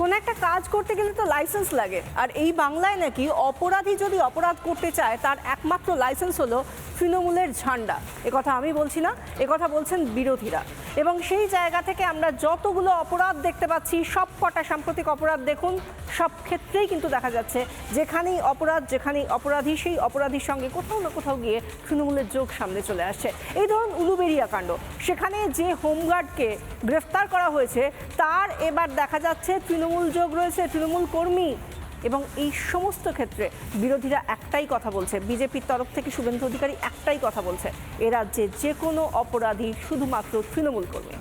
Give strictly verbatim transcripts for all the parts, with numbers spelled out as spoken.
কোনো একটা কাজ করতে গেলে তো লাইসেন্স লাগে, আর এই বাংলায় নাকি অপরাধী যদি অপরাধ করতে চায় তার একমাত্র লাইসেন্স হলো তৃণমূলের ঝান্ডা। একথা আমি বলছি না, একথা বলছেন বিরোধীরা। এবং সেই জায়গা থেকে আমরা যতগুলো অপরাধ দেখতে পাচ্ছি, সব কটা সাম্প্রতিক অপরাধ দেখুন, সব ক্ষেত্রেই কিন্তু দেখা যাচ্ছে যেখানেই অপরাধ, যেখানেই অপরাধী, সেই অপরাধীর সঙ্গে কোথাও না কোথাও গিয়ে তৃণমূলের যোগ সামনে চলে আসছে। এই ধরুন উলুবেড়িয়া কাণ্ড, সেখানে যে হোমগার্ডকে গ্রেফতার করা হয়েছে তার এবার দেখা যাচ্ছে তৃণমূল যোগ রয়েছে, তৃণমূল কর্মী। এবং এই সমস্ত ক্ষেত্রে বিরোধীরা একটাই কথা বলছে, বিজেপির তরফ থেকে শুভেন্দু অধিকারী একটাই কথা বলছে, এ রাজ্যে যে কোনো অপরাধী শুধুমাত্র তৃণমূল কর্মী।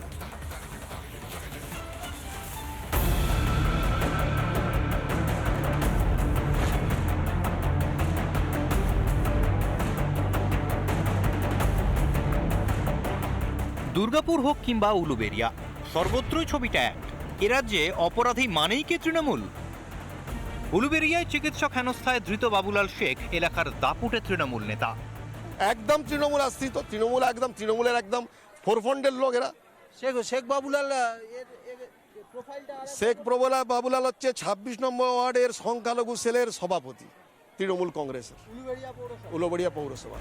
দুর্গাপুর হোক কিংবা উলুবেড়িয়া, সর্বত্রই ছবিটা এক। এ রাজ্যে অপরাধী মানেই কি তৃণমূল? উলুবেড়িয়ায় চিকিৎসক হেনস্থায় ধৃত বাবুলাল শেখ এলাকার দাপুটে তৃণমূল নেতা। একদম তৃণমূল আশ্রিত, তৃণমূল একদম তৃণমূলের একদম ফোরফ্রন্টের লোক এরা। শেখ শেখ বাবুলাল প্রোফাইলটা শেখ প্রবলা বাবুলাল হচ্ছে ছাব্বিশ নম্বর ওয়ার্ডের সংখ্যালঘু সেলের সভাপতি তৃণমূল কংগ্রেসের, উলুবেড়িয়া পৌরসভা। উলুবেড়িয়া পৌরসভা।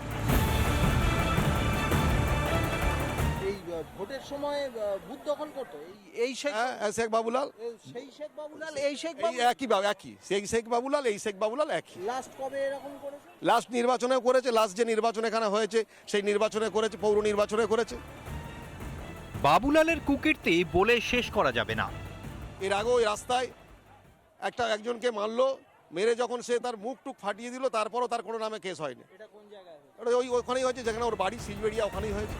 এই ভোটের সময় বুথ দখল করতো এই এই শেখ হ্যাঁ, শেখ বাবুলাল সেই শেখ বাবুলাল এই শেখ এই একই বাবু একই সেই শেখ বাবুলাল এই শেখ বাবুলাল একই। লাস্ট কবে এরকম করেছে? লাস্ট নির্বাচনে করেছে, লাস্ট যে নির্বাচন এখানে হয়েছে সেই নির্বাচনে করেছে, পৌর নির্বাচনে করেছে। বাবুলালের কুকীর্তি বলে শেষ করা যাবে না। এর আগে ওই রাস্তায় একটা একজনকে মারলো, মেরে যখন সে তার মুখ টুক ফাটিয়ে দিল, তারপরও তার কোনো নামে কেস হয়নি। এটা কোন জায়গায় হয়েছে? ওটা ওই ওখানেই হয়েছে যেখানে ওর বাড়ি সিজবেড়িয়া, ওখানেই হয়েছে।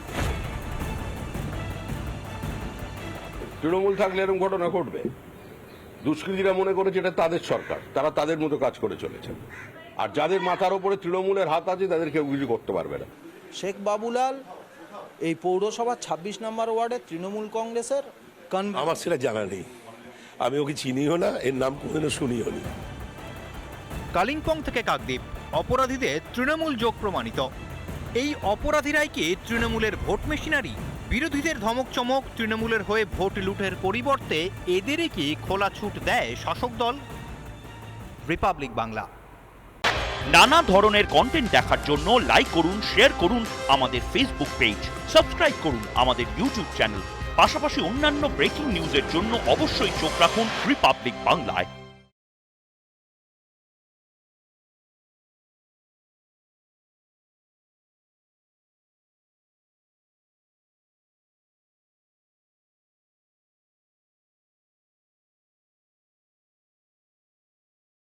তৃণমূল থাকলে এরকম ঘটনা ঘটবে? দুষ্কৃতীরা মনে করেছে এটা তাদের সরকার, তারা তাদের মতো কাজ করে চলেছে। আর যাদের মাথার ওপরে তৃণমূলের হাত আছে তাদের কেউ কিছু করতে পারবে না। শেখ বাবুলাল এই পৌরসভার ছাব্বিশ নম্বর ওয়ার্ডে তৃণমূল কংগ্রেসের কনভেনর। আমার সেটা জানা নেই, আমি ওকে চিনিও না, এর নাম কোনোদিনও শুনিও নি। কালিম্পং থেকে কাকদ্বীপ, অপরাধীদের তৃণমূল যোগ প্রমাণিত। এই অপরাধীরাই কি তৃণমূলের ভোট মেশিনারি? বিরোধীদের ধমক চমক, তৃণমূলের হয়ে ভোট লুটের পরিবর্তে এদেরই কি খোলা ছুট দেয় শাসক দল? রিপাবলিক বাংলা। নানা ধরনের কন্টেন্ট দেখার জন্য লাইক করুন, শেয়ার করুন আমাদের ফেসবুক পেজ, সাবস্ক্রাইব করুন আমাদের ইউটিউব চ্যানেল। পাশাপাশি অন্যান্য ব্রেকিং নিউজের জন্য অবশ্যই চোখ রাখুন রিপাবলিক বাংলায়।